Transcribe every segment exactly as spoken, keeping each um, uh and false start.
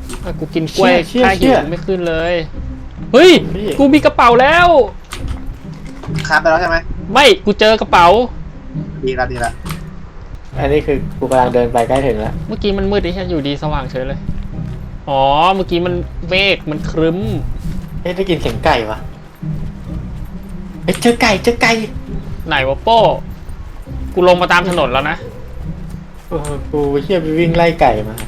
กูกินกล้วยค่าหิวไม่ขึ้นเลยเฮ้ยกูมีกระเป๋าแล้วคาบไปแล้วใช่ไหมไม่กูเจอกระเป๋าดีละดีละอันนี้คือกูกำลังเดินไปใกล้ถึงแล้วเมื่อกี้มันมืดดิฉันอยู่ดีสว่างเฉยเลยอ๋อเมื่อกี้มันเมฆมันครึ้มเอ๊ะได้กินเสียงไก่ปะเอ๊ะเจอไก่เจอไก่ไหนวะโป้กูลงมาตามถนนแล้วนะโอ้กูเชี่ยไปวิ่งไล่ไก่มา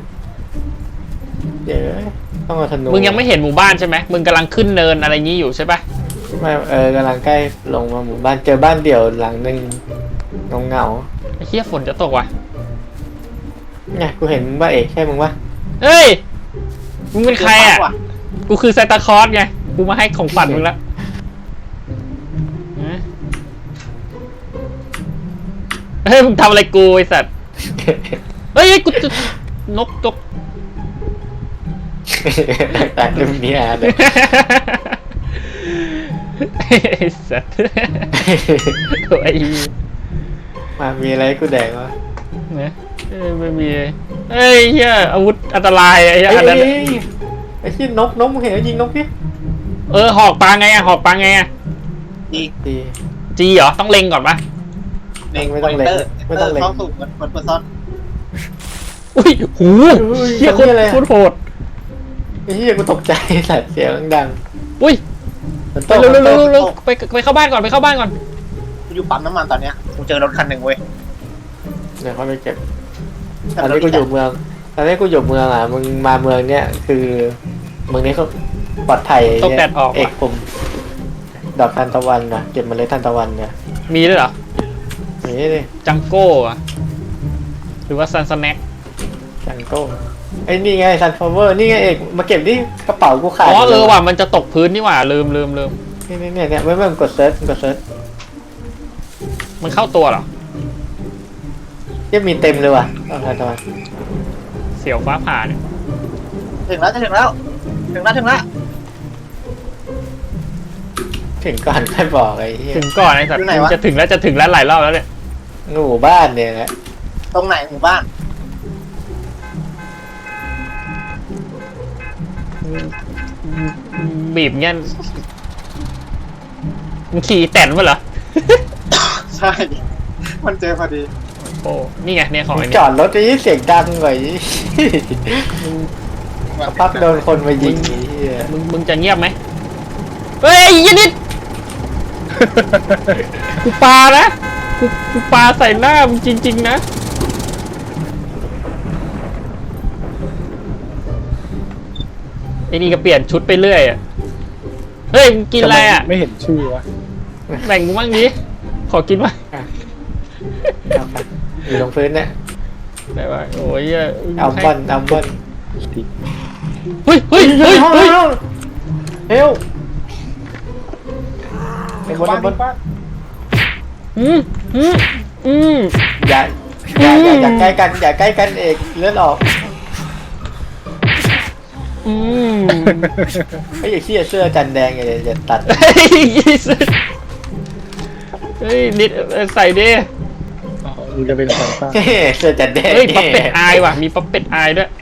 เดี๋ยวต้องเอาธนูมึงยังไม่เห็นหมู่บ้านใช่ไหมมึงกำลังขึ้นเนินอะไรงี้อยู่ใช่ปะไม่เออกำลังใกล้ลงมาหมู่บ้านเจอบ้านเดี่ยวหลังหนึ่งเงาเงาไอ้เหี้ยฝนจะตกว่ะไงกูเห็นมึงว่าเอกใช่มึงวะเฮ้ยมึงเป็นใครอ่ะกูคือซานตาคลอสไงกูมาให้ของฝันมึงแล้วเฮ้ยมึงทำอะไรกูไอ้สัตว์เฮ้ยกูจะนกตกแต่เรื่องนี้เลยไอ้สัตว์โอ้ยมามีอะไรกูแดงวะเนี่ยไม่มีเฮ้ยเฮียอาวุธอันตรายไอ้เหี้ยอันนั้นไอ้ที่นกนกมึงเห็นยิงนกดิเออหอกปลาไงอะหอกปลาไงอะจีจีจีเหรอต้องเล็งก่อนปะเล็งไม่ต้องเล็งไม่ต้องเล็งเข้าสู่มันมันเปิดซ้อนอุ้ยหูเฮียคนโคตรโหดไอ้เฮียกูตกใจสัตว์เสียงดังอุ้ยไปเร็วเร็วเร็วไปไปเข้าบ้านก่อนไปเข้าบ้านก่อนกูอยู่ปั๊มน้ำมันตอนเนี้ยกูเจอรถคันหนึ่งเว้ยเดี๋ยวเขาไปเก็บตอนนี้กูอยู่เมืองตอนนี้กูอยู่เมืองอ่ะมึงมาเมืองเนี้ยคือเมืองนี้เขาปลอดภัยต้องแดดออกเอกผมดอกทานตะวันนะเก็บมาเลยทานตะวันเนี่ยมีด้วยเหรอมีเลยจังโก้อะหรือว่าซันสแน็คจังโก้ไอ้นี่ไงซันฟลาวเวอร์นี่ไงเอกมาเก็บที่กระเป๋ากูขาดอ๋อเออว่ะมันจะตกพื้นนี่หว่าลืมลืมลืมนี่นี่เนี่ยเนี่ยไม่ไม่กดเซิร์ชกดเซิร์ชมันเข้าตัวเหรอยังมีเต็มเลยว่ะดอกทานตะวันเสี่ยวฟ้าผ่าเนี่ยถึงแล้วจะถึงแล้วถึงแล้วถึงแล้วถึงก่อนค่อยบอกไอ้ถึงก่อนไอ้สัตว์จะถึงแล้วจะถึงแล้วหลายรอบแล้วเนี่ยหมู่บ้านเนี่ยนะตรงไหนหมู่บ้านบีบเงี้ยมันขี่แตนมาเหรอใช่มันเจอพอดีโอ้นี่ไงเนี่ยของจอดรถจะยิ่งเสียงดังกว่าอีพักโดนคนมายิงมึงมึงจะเงียบไหมเฮ้ยยันนิดกูปานะกูกูปาใส่หน้ามึงจริงๆนะไอ้นี่ก็เปลี่ยนชุดไปเรื่อยอ่ะเฮ้ยมึงกินอะไรอ่ะไม่เห็นชื่อวะแบ่งกูบ้างดิขอกินบ้างอยู่ตรงพื้นเนี่ยได้ป่ะโอ้ยเอาบอลเอาบอลเฮ้ยเฮ้ยเฮ้ยเฮ้ยเฮลไอ้บอลไอ้บอลอืมอืมอืมอย่าอย่าอย่าใกล้กันอย่าใกล้กันเอกเลือดออกอืมไอ้เหี้ยเสื้อจันแดงอย่าอย่าตัดเฮ้ยนิดใส่ดิมึงจะเป็นสองตาเสื้อจันแดงเฮ้ยป๊อปเป็ดอายว่ะมีป๊อปเป็ดอายด้วย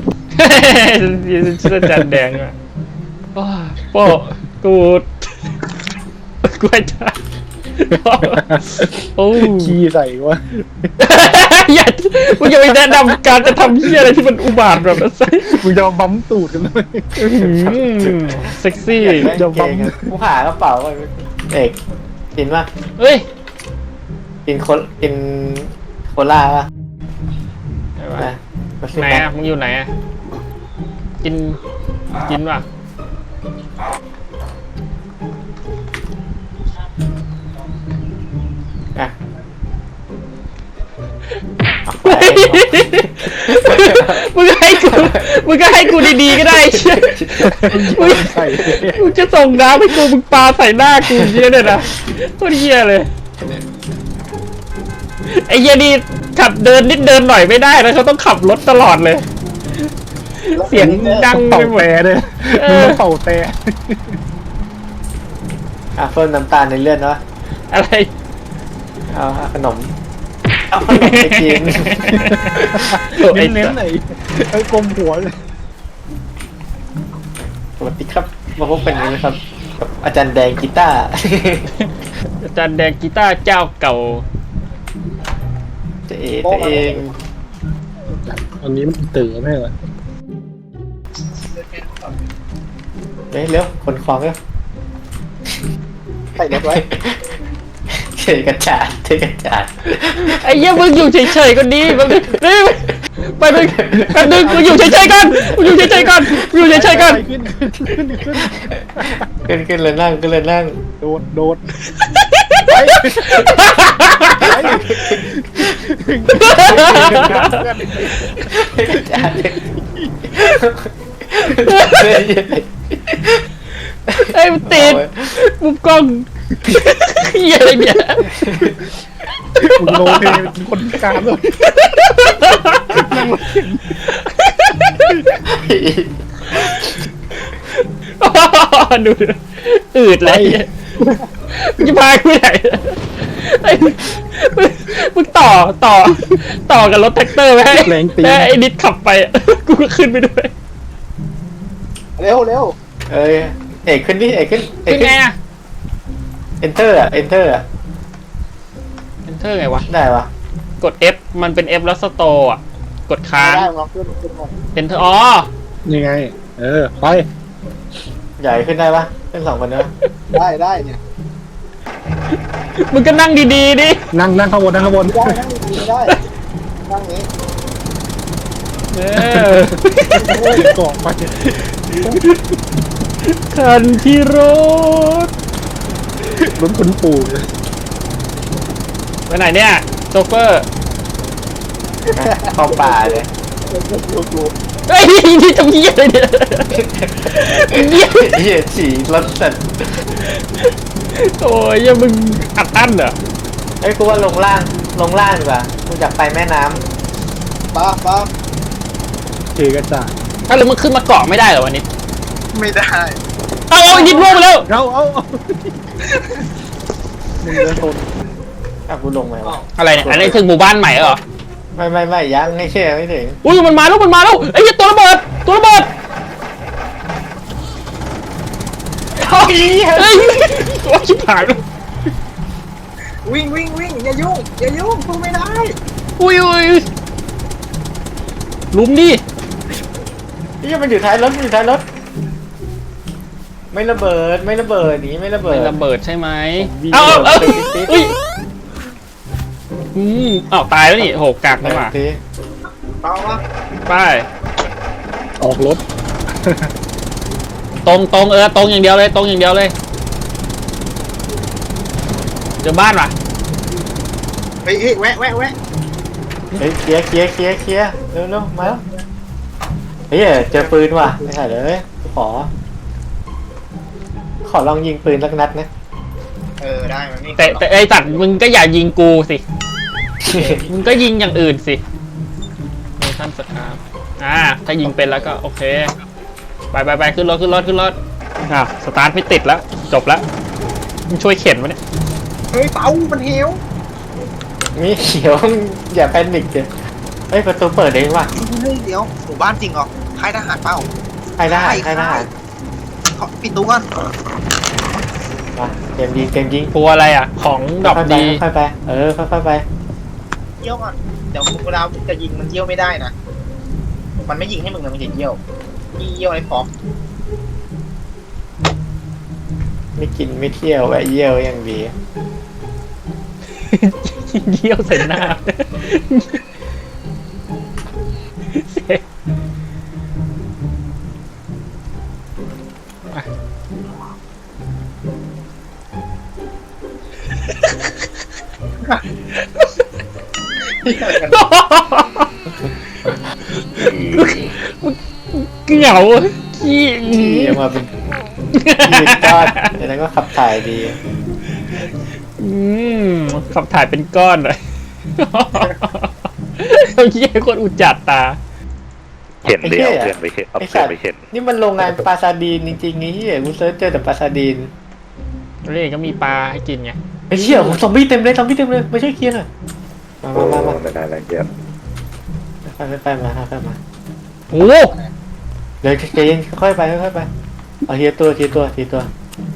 เสื้อจันแดงว่ะโป้กูกูไอ้จ้าโอ้ขี้ใส่วะอย่ามึงอย่าไปแนะนำการจะทำเหี้ยอะไรที่มันอุบาทแบบนั้นมึงจะมาบั๊มตูดกันเลยเซ็กซี่จะบั๊มกูหากระเป๋าเอกกินป่ะเฮ้ยกินโคกินโคล่าป่ะไหนอ่ะมึงอยู่ไหนอ่ะกินกินป่ะอ่ะมึงก็ให้กูมึงก็ให้กูดีๆก็ได้เชี่ยมึงมึงจะส่งน้ำให้กูมึงปาใส่หน้ากูเยอะเลยนะโคตรเหี้ยเลยไอ้เหี้ยนี่ขับเดินนิดเดินหน่อยไม่ได้นะเขาต้องขับรถตลอดเลยเสียงดังไปแหวเลยมึงเป่าแต่อ่ะเพิ่มน้ำตาลในเลือดเนาะอะไรเอาขนมเอาขนมไปกินเน้นๆไหนไอ้กลมหัวเลยสวัสดีครับมาพบกันอีกนะครับกับอาจารย์แดงกีตาร์อาจารย์แดงกีตาร์เจ้าเก่าจะเอตัวเองอันนี้มันตื่นไม่เหรอเฮ้ยเร็วขนของเร็วใส่รถไว้เทกระจาดเทกระจาดไอ้เหี้ยมึงอยู่เฉยๆก่อนดีมึงนี่ไปไปแป๊บนึงมึงอยู่เฉยๆก่อนมึงอยู่เฉยๆก่อนมึงอยู่เฉยๆก่อนขึ้นขึ้นขึ้นขึ้นขึ้นขึ้นเลยนั่งขึ้นเลยนั่งโดดโดดเทกระจาดเทกไอ้มันติดมุมกล้องเหี้ยอะไรเนี่ยมึงโลเทเป็นคนพิการเลยนั่งรถเข็นดูดิอืดเลยมึงจะพากูไหนไอ้มึงต่อต่อต่อกับรถแท็กเตอร์ไว้ให้แล้วไอ้นิดขับไปกูก็ขึ้นไปด้วยเร็วเร็วเอ้ยเอกขึ้นดิเอกขึ้นเอกเป็นไงอะ enter อ่ะ enter อ่ะ enter ไงวะได้ปะกด F มันเป็น F แล้วสโตร์อ่ะกดค้างได้ลองขึ้นขึ้นมา enter อ๋อยังไง เออไปใหญ่ขึ้นได้ปะขึ้นสองคนเนอะได้ได้เนี่ยมึงก็นั่งดีๆดินั่งนั่งข้างบนนั่งข้างบนได้นั่งดีๆได้นั่งนี้เออเกาะไปคันที่รถรถคุณปู่ไปไหนเนี่ยโซเฟอร์เข้าป่าเลยดูดูเฮ้ยนี่ทำเหี้ยอะไรเนี่ยเหี้ยเหี้ยฉี่รถสัตว์โอ้ยยังมึงอัดอั้นเหรอไอ้ยกูว่าลงล่างลงล่างดีกว่ากูอยากไปแม่น้ป้าป้าเทกระจาดถ้าวแล้วมึงขึ้นมาเกาะไม่ได้เหรอวันนี้ไม่ได้เอาเอานิดล่วงไปแล้วเอาเอาเอามึงเดินชนำอ่ะกูลงไหมวะอะไรเนี่ยอันนี้ถึงหมู่บ้านใหม่เหรอไม่ไม่ไม่ยังไม่เชื่อไม่ถึงอุ้ยมันมาแล้วมันมาแล้วไอ้เหี้ยตัวระเบิดตัวระเบิดเฮ้ยเฮ้ยโอ้ยชิบหายแล้ววิ่งวิ่งวิ่งอย่ายุ่งอย่ายุ่งพูดไม่ได้อุ้ยอุ้ยลุมดินี่มันอยู่ท้ายรถมันอยู่ท้ายรถไม่ระเบิดไม่ระเบิดหนีไม่ระเบิไม่ดระเบิดใช่ไหมวิ่งเอาเอาเอาไปติ๊ดๆอุ้ยอืมอ้าวตายแล้วนี่โหกากนี่หว่าทีต่อวะไปออกรถตรงตรงเออตรงอย่างเดียวเลยตรงอย่างเดียวเลยเจอบ้านว่ะเฮ้ยเฮ้ยแวะแวะแวะเฮ้ยเคลียร์เคลียร์เคลียร์เคลียร์เร็วเร็วมาแล้วเฮ้ยเจอปืนว่ะไม่ใช่เลยขอ ขอลองยิงปืนสักนัดนะเออได้มันนี่แต่แต่ไอ้สัตว์มึงก็อย่ายิงกูสิมึงก็ยิงอย่างอื่นสิโมชั่นสคาร์อ่าถ้ายิงเป็นแล้วก็โอเคไปไปไปขึ้นรถขึ้นรถขึ้นรถอ่ะสตาร์ทไม่ติดแล้วจบแล้วมึงช่วยเข็นวะเนี่ยเฮ้ยเต๋ามันเหวมีเขียวอย่าแพนิคเดี๋ยวเฮ้ยประตูเปิดเองว่ะเฮ้ยเดี๋ยวหมู่บ้านจริงเหรอค่ายทหารเปล่าใครได้ใครได้ขอปิดตู้ก่อนมาเกมยิงเกมยิงกลัวอะไรอ่ะของดอกค่อยๆไปดีค่อยๆไปเออค่อยๆไปเยี่ยวก่อนเดี๋ยวเวลาจะยิงมันเยี่ยวไม่ได้นะมันไม่ยิงให้มึงนะมันจะเยี่ยวยี่เยี่ยวไอ้ฟอกไม่กินไม่เที่ยวแวะเยี่ยวอย่างดีเยี่ยวใส่หน้าเหงาขี้ขี่ออกมาเป็นยืดก้อนแล้วก็ขับถ่ายดีอืมขับถ่ายเป็นก้อนเลยเอาเยี่ยคนอุจจัดตาเห็นเดียวเพื่อนไปเห็นเอาไอ้เพื่อสันตไปว์เห็นนี่มันโรงงานปลาซาดีนจริงๆไอ้เหี้ยกูเซิร์ชเจอแต่ปลาซาดีนเร่ก็มีปลาให้กินไงไอ้เหี้ยผมซอมบี้เต็มเลยซอมบี้เต็มเลยไม่ใช่เคลียร์หน่อยมาโอ้มามามาไม่ได้อะไรเยอะไปไปไปมาไปมาโอ้เดี๋ยวใจเย็นค่อยๆไปค่อยๆไปเอาทีละตัวทีละตัวทีละตัว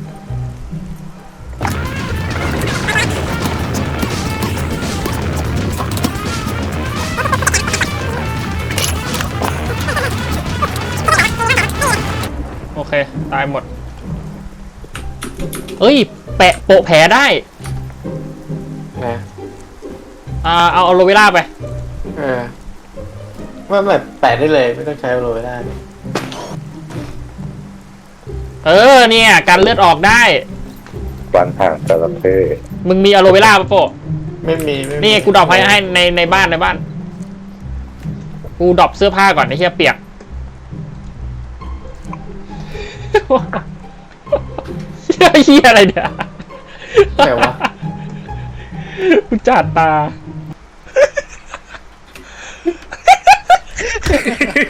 โอเค ตายหมด เอ้ย แปะโปะแผลได้นะอ่า เอาอะโลเวล่าไปเออว่าแบบแปะได้เลยไม่ต้องใช้โรยได้เออ เนี่ยการเลือดออกได้วันห่างจระเข้มึงมีอะโลเวล่าปะโปะไม่มีไม่มีนี่กูดรอปให้ให้ในในบ้านในบ้าน กูดรอปเสื้อผ้าก่อนไอ้เหี้ยเปียก เหี้ยอะไรเนี่ยแต่ว่ากูจัดตา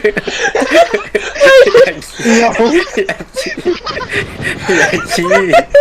อย่าชี้